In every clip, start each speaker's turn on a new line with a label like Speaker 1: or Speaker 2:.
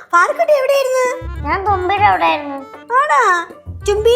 Speaker 1: പാർക്കുട്ടി എവിടെയായിരുന്നു?
Speaker 2: ഞാൻ തുമ്പിയുടെ അവിടെയായിരുന്നു.
Speaker 1: ആടാ തുമ്പി.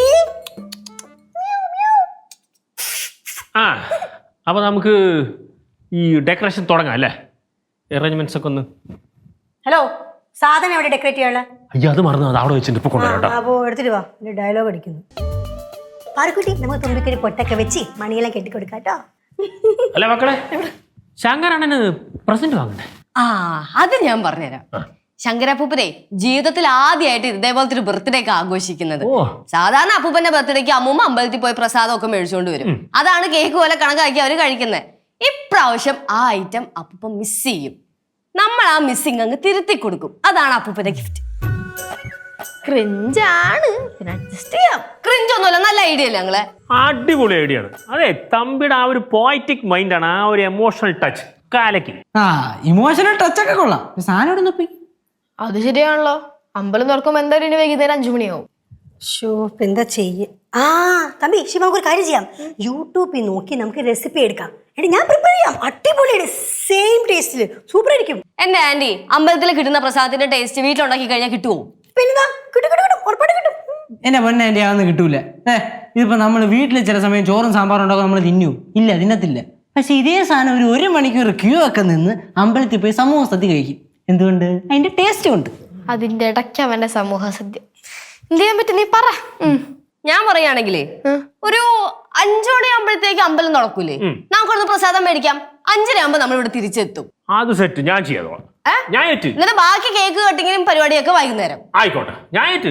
Speaker 3: ആ അപ്പൊ നമുക്ക് ഈ ഡെക്കറേഷൻ തുടങ്ങാം അല്ലേ? അറേഞ്ച്മെന്റ്സ് ഒക്കെ ഒന്ന്.
Speaker 1: ഹലോ, സാധനം എവിടെ ഡെക്കറേറ്റ് ചെയ്യാനുള്ള?
Speaker 3: അയ്യോ അത് മറന്നു, അത് അവിടെ വെച്ചിട്ട് ഇപ്പൊ കൊണ്ടുവരാം.
Speaker 1: അപ്പോ എടുത്തിട്ട് വാ, ഡയലോഗ് അടിക്കുന്നു. പാർക്കുട്ടി നമുക്ക് തുമ്പിക്കൊരു പൊട്ടൊക്കെ വെച്ച് മണിയെല്ലാം കെട്ടിക്കൊടുക്കാം കേട്ടോ.
Speaker 3: അല്ല മക്കളെ, ശങ്കരാണന് പ്രസന്റ് വാങ്ങണ്ടേ?
Speaker 4: അത് ഞാൻ പറഞ്ഞുതരാം. ശങ്കരപ്പൂപ്പനെ ജീവിതത്തിൽ ആദ്യമായിട്ട് ഇതേപോലത്തെ ഒരു ബർത്ത്ഡേ ഒക്കെ ആഘോഷിക്കുന്നത്. സാധാരണ അപ്പൂപ്പന്റെ ബർത്ത്ഡേക്ക് അമ്മൂമ്മ അമ്പലത്തിൽ പോയി പ്രസാദം ഒക്കെ മേടിച്ചുകൊണ്ട് വരും. അതാണ് കേക്ക് പോലെ കണക്കാക്കി അവര് കഴിക്കുന്നത്. ഇപ്രാവശ്യം ആ ഐറ്റം അപ്പൂപ്പൻ മിസ് ചെയ്യും. നമ്മൾ ആ മിസ്സിങ് അങ്ങ് തിരുത്തി കൊടുക്കും. അതാണ് അപ്പൂപ്പന്റെ ഗിഫ്റ്റ്. ക്രിഞ്ചാണ്, അഡ്ജസ്റ്റ് ചെയ്യാം. ക്രിഞ്ച് ഒന്നുമല്ല, നല്ല ഐഡിയ അല്ലേ ഞങ്ങളെ?
Speaker 3: അടിപൊളി ഐഡിയ ആണ്. അതെ, തമ്പിയുടെ ആ ഒരു പോയറ്റിക് മൈൻഡ് ആണ്, ആ ഒരു എമോഷണൽ ടച്ച് കാലയ്ക്ക്.
Speaker 5: ഇമോഷണൽ ടച്ച് ഒക്കെ കൊള്ളാം. സാധനം
Speaker 6: അത് ശരിയാണല്ലോ. അമ്പലം തുറക്കുമ്പോ എന്തായാലും ഇനി വൈകുന്നേരം 5 മണിയാവും.
Speaker 1: എന്താ ചെയ്യ? തമ്പി ശിവ, നമുക്ക് ഒരു കാര്യം ചെയ്യാം. യൂട്യൂബിൽ നോക്കി നമുക്ക് റെസിപ്പി എടുക്കാം. എടി ഞാൻ പ്രിപ്പയർ ചെയ്യാം. അടിപൊളിയാണ്, സെയിം ടേസ്റ്റില് സൂപ്പർ ആയിരിക്കും.
Speaker 4: എന്റെ ആന്റി, അമ്പലത്തിൽ കിട്ടുന്ന പ്രസാദത്തിന്റെ ടേസ്റ്റ് വീട്ടിലുണ്ടാക്കി കഴിഞ്ഞാൽ കിട്ടുമോ?
Speaker 1: പിന്നെന്താ, കിട്ടും ഉറപ്പായിട്ട് കിട്ടും.
Speaker 5: എന്റെ പൊന്നെ ആന്റി, അതൊന്നും കിട്ടൂല. ഇതിപ്പോ നമ്മള് വീട്ടിൽ ചില സമയം ചോറും സാമ്പാറും ഉണ്ടാക്കും, നമ്മൾ തിന്നു ഇല്ല, തിന്നത്തില്ല. പക്ഷെ ഇതേ സാധനം ഒരു മണിക്കൂർ ക്യൂ ഒക്കെ നിന്ന് അമ്പലത്തിൽ പോയി സമൂഹ സദ്യ കഴിക്കും. എന്തുകൊണ്ട്? അതിന്റെ ടേസ്റ്റ് കൊണ്ട്.
Speaker 6: അതിന്റെ ഇടയ്ക്ക് അവന്റെ സമൂഹ സദ്യ എന്ത് ചെയ്യാൻ പറ്റും? നീ പറ.
Speaker 4: ഞാൻ പറയുകയാണെങ്കിലേ, ഒരു 5 മണിയാകുമ്പോഴത്തേക്ക് അമ്പലം തുറക്കൂലേ, നമുക്കൊന്ന് പ്രസാദം മേടിക്കാം. 5:30 നമ്മൾ ഇവിടെ തിരിച്ചെത്തും.
Speaker 3: അത് സെറ്റ്, ഞാൻ ചെയ്യാം. ഞാൻ ഏറ്റ്.
Speaker 4: എന്നിട്ട് ബാക്കി കേക്ക് കട്ടിങ്ങിനും പരിപാടിയൊക്കെ വൈകുന്നേരം.
Speaker 3: ആയിക്കോട്ടെ, ഞാൻ ഏറ്റ്.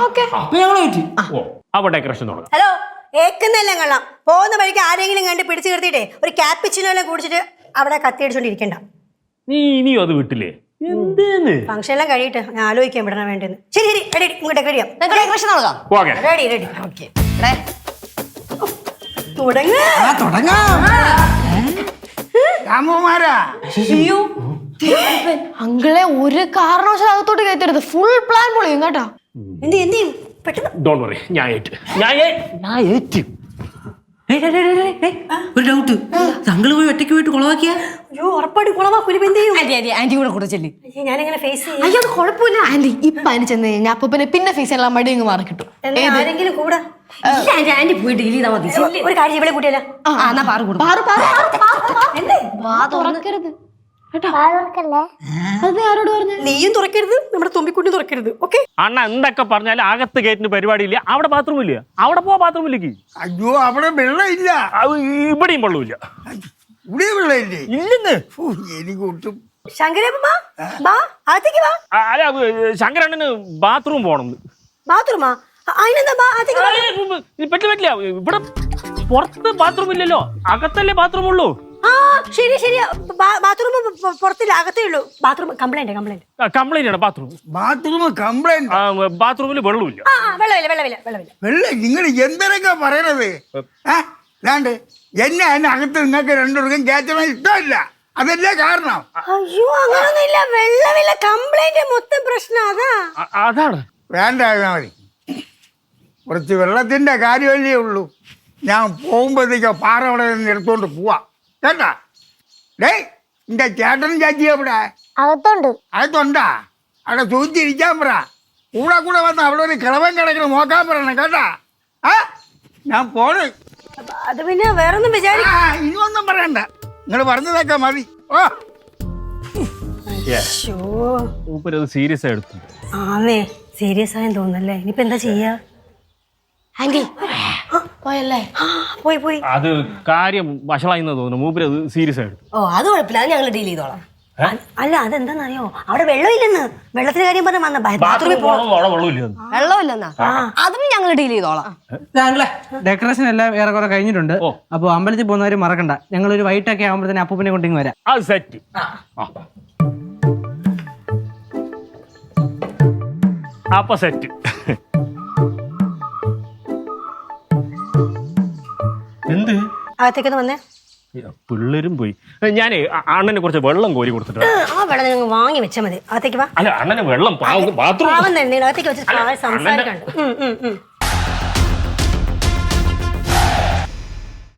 Speaker 3: അപ്പൊ ഡെക്കറേഷൻ തുടങ്ങാം.
Speaker 1: ഹലോ, ഏക്കുന്നെല്ലാം കൊള്ളാം. പോകുന്ന വഴിക്ക് ആരെങ്കിലും കണ്ട് പിടിച്ചു നിർത്തിയിട്ടേ ഒരു ക്യാപ്പിച്ചിനോ എല്ലാം കുടിച്ചിട്ട് അവിടെ കത്തിയടിച്ചോണ്ടിരിക്കണ്ട.
Speaker 3: നീ ഇനിയും അത് വിട്ടില്ലേ? എന്തേന്ന്
Speaker 1: ഫംഗ്ഷൻ എല്ലാം കഴിയട്ടെ, ഞാൻ ആലോചിക്കാൻ വിടണം വേണ്ടെന്ന്. ശരി ശരി, റെഡി, നമുക്ക് ഡെക്കറേറ്റ് ചെയ്യാം.
Speaker 4: ഡെക്കറേഷൻ തുടങ്ങാം.
Speaker 1: Ready ready.
Speaker 5: തുടങ്ങാം.
Speaker 6: അങ്കിളെ ഒരു കാരണവശാലും അകത്തോട്ട് കയറ്റരുത്. ഫുൾ പ്ലാൻ പൊളിയും കേട്ടോ.
Speaker 1: എന്ത് ചെയ്യും പെട്ടെന്ന്?
Speaker 3: ഡോണ്ട് വറി, ഞാൻ ഏറ്റ്.
Speaker 5: ഒരു ഡൗട്ട്, താങ്കള് പോയി ഒറ്റയ്ക്ക് പോയിട്ട് കുളവാക്കിയാ?
Speaker 1: അയ്യോ, ഉറപ്പായിട്ട് കുളവാക്കൂല. എന്ത് ചെയ്യും?
Speaker 4: ആന്റി കൂടെ ചെല്ലി.
Speaker 1: ഞാനെങ്ങനെ ഫേസ് ചെയ്യും?
Speaker 6: അയ്യോ, അത് കുഴപ്പമില്ല ആന്റി. ഇപ്പൊ അതിന് ചെന്ന് കഴിഞ്ഞാൽ അപ്പൊ പിന്നെ ഫേസ് ചെയ്യാനുള്ള മടി അങ്ങ് മാറി കിട്ടും.
Speaker 1: ആരെങ്കിലും കൂടെ
Speaker 4: ആന്റി പോയി ഡീൽ ചെയ്താൽ മതി.
Speaker 1: ഒരു കാര്യം ഇവിടെ കൂട്ടിയല്ല.
Speaker 6: തുറക്കരുത്.
Speaker 1: നീയും തുറക്കരുത്, നമ്മുടെ തുമ്പിക്കുട്ടി തുറക്കരുത്. ഓക്കെ
Speaker 3: അണ്ണ എന്തൊക്കെ പറഞ്ഞാലും അകത്ത് ഗേറ്റിന് പരിപാടി ഇല്ല. അവിടെ ബാത്റൂം ഇല്ല. അവിടെ പോവാ ബാത്റൂമിലേക്ക്.
Speaker 7: അയ്യോ, അവിടെ വെള്ളമില്ല.
Speaker 3: ഇവിടെയും വെള്ളമില്ല.
Speaker 7: ഇവിടെ വെള്ളമില്ലേ?
Speaker 3: ഇല്ലെന്ന്.
Speaker 7: എനിക്ക് ഒട്ടും.
Speaker 1: ശങ്കരപ്പ അകത്തേക്ക് വാ.
Speaker 3: അല്ല, ശങ്കരണ്ണന് ബാത്റൂം പോണം.
Speaker 1: ബാത്റൂമാ? അതിനെന്താ?
Speaker 3: പറ്റില്ല. ഇവിടെ പുറത്ത് ബാത്റൂം ഇല്ലല്ലോ, അകത്തല്ലേ ബാത്റൂം ഉള്ളൂ.
Speaker 1: ശരി ശരി, ബാത്റൂം പുറത്തില്ല, അകത്തേ ഉള്ളൂ. ബാത്റൂം കംപ്ലൈന്റ്
Speaker 3: ആണ്.
Speaker 7: Bathroom complaint.
Speaker 3: ബാത്റൂമിൽ വെള്ളമില്ല.
Speaker 7: വെള്ളം നിങ്ങൾ എന്തൊക്കെ പറയണത്? അല്ലാണ്ട് എന്നെ അകത്ത് നിങ്ങൾക്ക് രണ്ടുപേർക്കും കയറ്റണം ഇഷ്ടമില്ല. അതല്ലേ കാരണം.
Speaker 1: അയ്യോ, അങ്ങനൊന്നുമില്ല. വെള്ളമില്ല, കംപ്ലൈന്റ് മൊത്തം പ്രശ്നം
Speaker 3: അതാണ്.
Speaker 7: വേണ്ട, മതി. കുറച്ച് വെള്ളത്തിന്റെ കാര്യമല്ലേ ഉള്ളൂ. ഞാൻ പോകുമ്പോഴത്തേക്കോ പാറ അവിടെ നിന്ന് എടുത്തോണ്ട് പോവാ കേട്ടാ. ഡേയ്, എന്റെ ചേട്ടനും ചാച്ചി എവിടെ? അകത്തുണ്ടാ? അവിടെ സൂചിച്ചിരിക്കാൻ പറ. കൂടെ വന്ന് അവിടെ ഒരു കിളവൻ കിടക്കണം നോക്കാൻ പറയണം കേട്ടാ. ഞാൻ പോണ്.
Speaker 1: അത് പിന്നെ വേറൊന്നും
Speaker 7: ഇനിയൊന്നും പറയണ്ട, നിങ്ങൾ പറഞ്ഞതൊക്കെ മതി.
Speaker 3: സീരിയസ് ആയി എടുത്തു.
Speaker 1: സീരിയസ് ആയെന്ന് തോന്നുന്നല്ലേ. ഇനിയിപ്പോ എന്താ ചെയ്യാ?
Speaker 6: ആന്റി പോയല്ലേ?
Speaker 1: പോയി.
Speaker 3: അത് കാര്യം വഷളായി തോന്നുന്നു. മൂപ്പര് അത് സീരിയസ് ആയിട്ട്.
Speaker 1: അത് കുഴപ്പമില്ല, അത് ഞങ്ങൾ ഡീൽ ചെയ്തോളാം. അല്ല, അതെന്താന്നറിയോ, അവിടെ വെള്ളമില്ലെന്ന്. വെള്ളത്തിന്റെ കാര്യം പറഞ്ഞ
Speaker 4: വെള്ളമില്ലെന്നാ? അതും ഞങ്ങൾ ഡീൽ ചെയ്തോളാം.
Speaker 5: ഡെക്കറേഷൻ എല്ലാം ഏറെക്കുറെ കഴിഞ്ഞിട്ടുണ്ട്. അപ്പൊ അമ്പലത്തിൽ പോകുന്നവര് മറക്കണ്ട, ഞങ്ങൾ ഒരു വൈകിട്ടൊക്കെ ആകുമ്പോഴത്തേന് അപ്പൂപ്പിനെ കൊണ്ടിങ്ങ് വരാം.
Speaker 3: അത് സെറ്റ്. അപ്പൊ സെറ്റ്. എന്ത്
Speaker 1: അകത്തേക്കൊന്ന് വന്നേ.
Speaker 3: പിള്ളേരും പോയി. ഞാൻ അണ്ണനെ കുറച്ച് വെള്ളം കോരി കൊടുത്തിട്ടുണ്ട്.
Speaker 1: ആ വെള്ളം നിങ്ങൾ വാങ്ങി വെച്ചാൽ മതി. അകത്തേക്ക് വാ.
Speaker 3: അല്ല, അണ്ണന് വെള്ളം ബാത്റൂം
Speaker 1: അകത്തേക്ക് വെച്ച് സംസാരിക്കണ്ട.